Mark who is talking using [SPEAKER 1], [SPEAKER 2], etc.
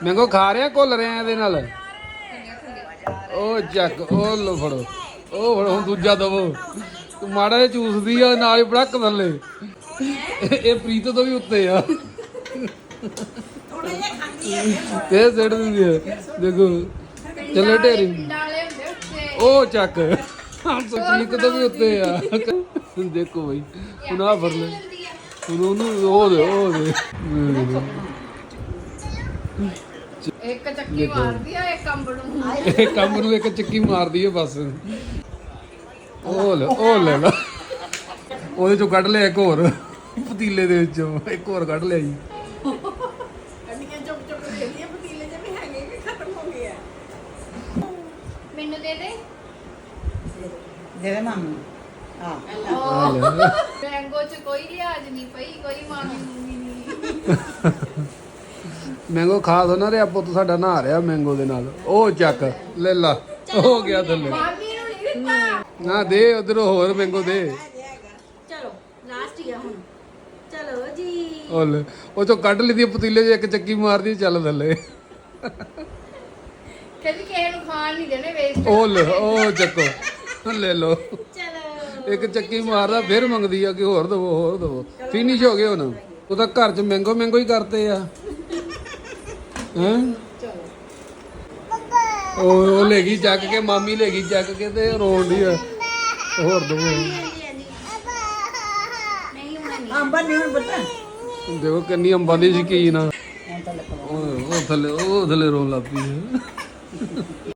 [SPEAKER 1] Mango ਖਾ ਰਿਹਾ ਘੁੱਲ ਰਿਹਾ ਇਹਦੇ ਨਾਲ। ਉਹ ਚੱਕ ਉਹ ਲੋ ਫੜੋ, ਉਹ ਫੜੋ ਹੁਣ ਦੂਜਾ ਦਵੋ। ਤੂੰ ਮਾੜਾ ਜਿਹਾ ਚੂਸਦੀ ਆ ਨਾਲ ਹੀ ਬੜਕ ਥੱਲੇ। ਇਹ ਪ੍ਰੀਤ ਤੋਂ ਵੀ ਉੱਤੇ ਆ। ਇਹ ਸਿੱਟ ਦਿੰਦੀ ਆ ਦੇਖੋ ਚੱਲੇ ਢੇਰੀ। ਉਹ ਚੱਕ ਪ੍ਰੀਤ ਤੋਂ ਵੀ ਉੱਤੇ ਆ। ਦੇਖੋ ਬਈ ਹੁਣ ਆ ਫੜ ਲੈ ਹੁਣ ਉਹਨੂੰ ਉਹ ਦੇ
[SPEAKER 2] ਇੱਕ ਚੱਕੀ ਮਾਰਦੀ ਆ ਇੱਕ ਅੰਬ ਨੂੰ।
[SPEAKER 1] ਇਹ ਕੰਮ ਨੂੰ ਇੱਕ ਚੱਕੀ ਮਾਰਦੀ ਹੈ ਬਸ। ਉਹ ਲੈ ਲਾ ਉਹਦੇ ਚੋਂ ਕੱਢ ਲਿਆ ਇੱਕ ਹੋਰ ਪਤੀਲੇ ਦੇ ਵਿੱਚੋਂ ਇੱਕ ਹੋਰ ਕੱਢ ਲਿਆ ਜੀ।
[SPEAKER 2] ਮੈਨੂੰ ਦੇ ਦੇ
[SPEAKER 3] ਦੇ ਮਾਮੂ
[SPEAKER 2] ਮੈਂਗੋ ਚ ਕੋਈ ਲਿਹਾਜ਼ ਨਹੀਂ ਪਈ, ਕੋਈ ਮਾਮੀ ਮੂਮੀ ਨਹੀਂ।
[SPEAKER 1] ਮੈਂਗੋ ਖਾ ਦੋ ਨਾ ਰਿਹਾ ਪੁੱਤ ਸਾਡਾ ਨਹਾ ਰਿਹਾ ਮੈਂਗੋ ਦੇ ਨਾਲ। ਉਹ ਚੱਕ ਲੈ ਲਾ ਹੋ ਗਿਆ ਥੱਲੇ।
[SPEAKER 2] ਮਾਮੀ ਨੂੰ ਨਹੀਂ ਦਿੱਤਾ।
[SPEAKER 1] ਨਾ ਦੇ ਉਧਰੋਂ ਹੋਰ ਮੈਂਗੋ ਦੇ।
[SPEAKER 2] ਚਲੋ ਲਾਸਟ ਹੀ ਆ ਹੁਣ। ਚਲੋ ਜੀ
[SPEAKER 1] ਉਹ ਲੈ ਉਹ ਚੋਂ ਕੱਢ ਲਈ ਦੀ ਪਤੀਲੇ 'ਚ ਇੱਕ ਚੱਕੀ ਮਾਰਦੀ ਚੱਲ ਥੱਲੇ।
[SPEAKER 2] ਕਹਿੰਦੀ ਕਿਸੇ ਨੂੰ ਖਾਣ ਨਹੀਂ ਦੇਣੇ ਵੇਸਟ।
[SPEAKER 1] ਉਹ ਲੈ ਉਹ ਚੱਕੋ ਲੈ ਲੋ।
[SPEAKER 2] ਚਲੋ
[SPEAKER 1] ਇੱਕ ਚੱਕੀ ਮਾਰਦਾ ਫਿਰ ਮੰਗਦੀ ਆ ਕਿ ਹੋਰ ਦਵੋ ਹੋਰ ਦਵੋ। ਫਿਨਿਸ਼ ਹੋ ਗਏ ਹੁਣ। ਉਹ ਤਾਂ ਘਰ 'ਚ ਮੈਂਗੋ ਹੀ ਕਰਤੇ ਆ ਹੈਂ। ਉਹ ਲੈ ਗਈ ਚੱਕ ਕੇ, ਮਾਮੀ ਲੈ ਗਈ ਚੱਕ ਕੇ ਤੇ ਰੋਣ ਦੀ ਆ ਹੋਰ ਦਵੋ।
[SPEAKER 3] ਅੰਬਾ ਨਹੀਂ ਹੁਣ ਬੱਤਾ
[SPEAKER 1] ਦੇਖੋ ਕਿੰਨੀ ਅੰਬਾਂ ਦੀ ਸ਼ਕੀਨ ਆ। ਉਹ ਥੱਲੇ ਰੋਣ ਲੱਗ ਪਈ।